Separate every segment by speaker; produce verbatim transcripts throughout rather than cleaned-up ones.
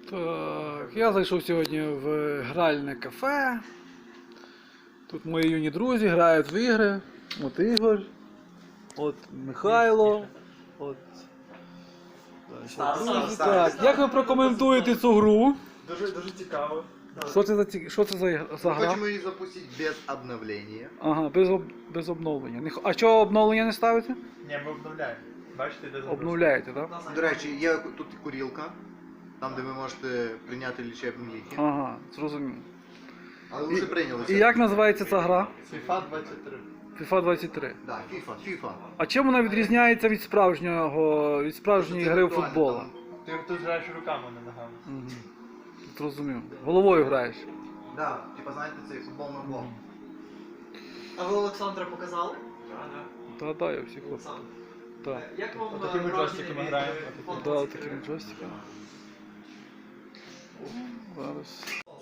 Speaker 1: Так, я зайшов сьогодні в гральне кафе. Тут мої юні друзі грають в ігри. От Ігор, от Михайло, от друзі. Так, як ви прокоментуєте цю гру?
Speaker 2: Дуже, дуже цікаво.
Speaker 1: Що це за ці- що це за, ігра- за гра?
Speaker 3: Хочемо її запустити без обновлення.
Speaker 1: Ага, без, об- без обновлення. Не х- А чого обновлення не ставите?
Speaker 2: Ні, ми обновляємо. Бачите, де
Speaker 1: Обновляєте, так?
Speaker 3: До речі, є тут і курілка, там де ви можете прийняти лічебні ліки.
Speaker 1: Ага, зрозумів.
Speaker 3: Але ви вже прийняли.
Speaker 1: І як називається ця гра?
Speaker 2: FIFA двадцять три.
Speaker 1: FIFA двадцять три.
Speaker 3: Так, FIFA, FIFA.
Speaker 1: А чим вона відрізняється від справжнього, від справжньої гри в футбол?
Speaker 2: Ти тут граєш руками, не ногами.
Speaker 1: Угу. Зрозумів. Головою граєш.
Speaker 3: Так, типа знаєте цей футбольний блок.
Speaker 4: А ви Олександра показали?
Speaker 1: Та, да, я всіх хлопців. Так.
Speaker 4: Як вам
Speaker 2: Отакими
Speaker 4: враження
Speaker 2: джойстиками
Speaker 4: від,
Speaker 2: граємо.
Speaker 4: е, фото
Speaker 1: Да,
Speaker 4: цих
Speaker 1: такими
Speaker 4: ігор?
Speaker 1: джойстиками. Зараз.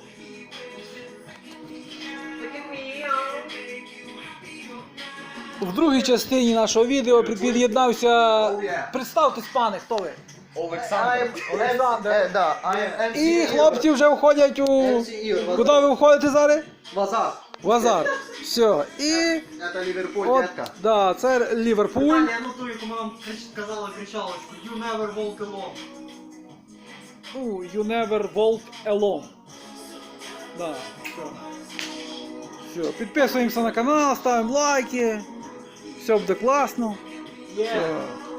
Speaker 1: В другій частині нашого відео під'єднався. Представтесь, пане, хто ви?
Speaker 2: Олександр.
Speaker 1: Олександр.
Speaker 3: Е, да, I'm ем сі
Speaker 1: І хлопці вже входять у.
Speaker 3: ем сі Ігор.
Speaker 1: Куди ви входите зараз?
Speaker 3: Вазар.
Speaker 1: В азарт. Все. І.
Speaker 3: Це Ліверпуль,
Speaker 1: От,
Speaker 3: детка.
Speaker 1: да, це Ліверпуль.
Speaker 4: Питання, я нотую, кому вам крич- казала кричалочку. You never walk alone.
Speaker 1: Ну, you never walk alone. Да, все. Все, підписуємося на канал, ставимо лайки. Все буде класно. Все.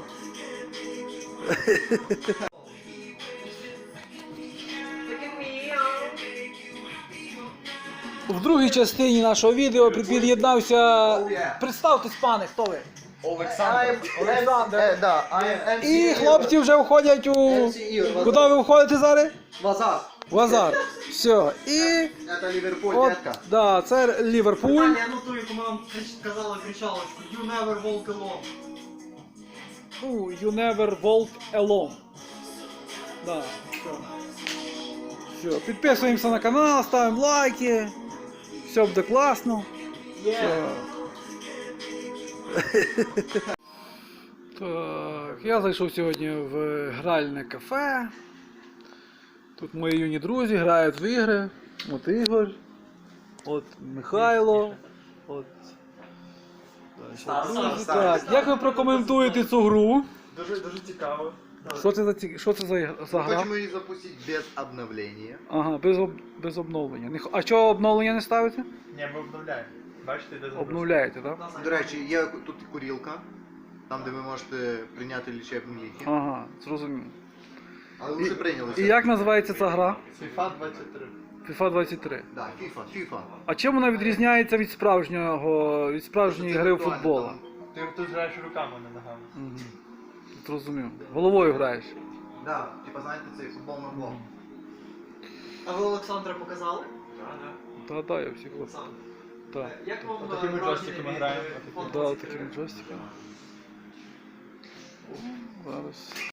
Speaker 1: В другій частині нашого відео під'єднався. Представтесь, пане, хто ви?
Speaker 2: Олександр.
Speaker 1: Олександр.
Speaker 3: Е, да, I'm ем сі
Speaker 1: І
Speaker 3: Ігор.
Speaker 1: хлопці вже входять у.
Speaker 3: ем сі Ігор.
Speaker 1: Куди ви входите зараз?
Speaker 3: Вазар.
Speaker 1: В азарт. Все. І.
Speaker 3: Це Ліверпуль,
Speaker 1: От,
Speaker 3: детка.
Speaker 1: да, це Ліверпуль.
Speaker 4: Питання, я нотую, кому вам крич- казала кричалочку. You never walk alone.
Speaker 1: Ну, you never walk alone. Да, все. Все, підписуємося на канал, ставимо лайки. Все буде класно. Все. Так, я зайшов сьогодні в гральне кафе. Тут мої юні друзі грають в ігри. От Ігор, от Михайло, от друзі. Так, як ви прокоментуєте цю гру?
Speaker 2: Дуже, дуже цікаво.
Speaker 1: Що це за ці- що це за, ігра- за гра?
Speaker 3: Хочемо її запустити без обновлення.
Speaker 1: Ага, без, об, без обновлення. Не х- А чого обновлення не ставите?
Speaker 2: Ні, ми обновляємо. Бачите, де
Speaker 1: Обновляєте, так?
Speaker 3: До речі, є тут і курілка, там де ви можете прийняти лічебні ліки.
Speaker 1: Ага, зрозумів.
Speaker 3: Але ви вже прийняли.
Speaker 1: І як називається ця гра?
Speaker 2: FIFA двадцять три.
Speaker 1: FIFA двадцять три.
Speaker 3: Так, FIFA, FIFA.
Speaker 1: А чим вона відрізняється від справжнього, від справжньої гри в футбол?
Speaker 2: Ти тут граєш руками, не ногами.
Speaker 1: Угу. Зрозумів. Головою граєш.
Speaker 3: Так, типа знаєте цей футбольний блок.
Speaker 4: А ви Олександра показали?
Speaker 1: Та, да, я всіх хлопців. Так.
Speaker 4: Як вам
Speaker 2: Отакими
Speaker 4: враження
Speaker 2: джойстиками
Speaker 4: від,
Speaker 2: граємо.
Speaker 4: е, фото
Speaker 1: Да,
Speaker 4: цих
Speaker 1: такими
Speaker 4: ігор?
Speaker 1: джойстиками. Зараз.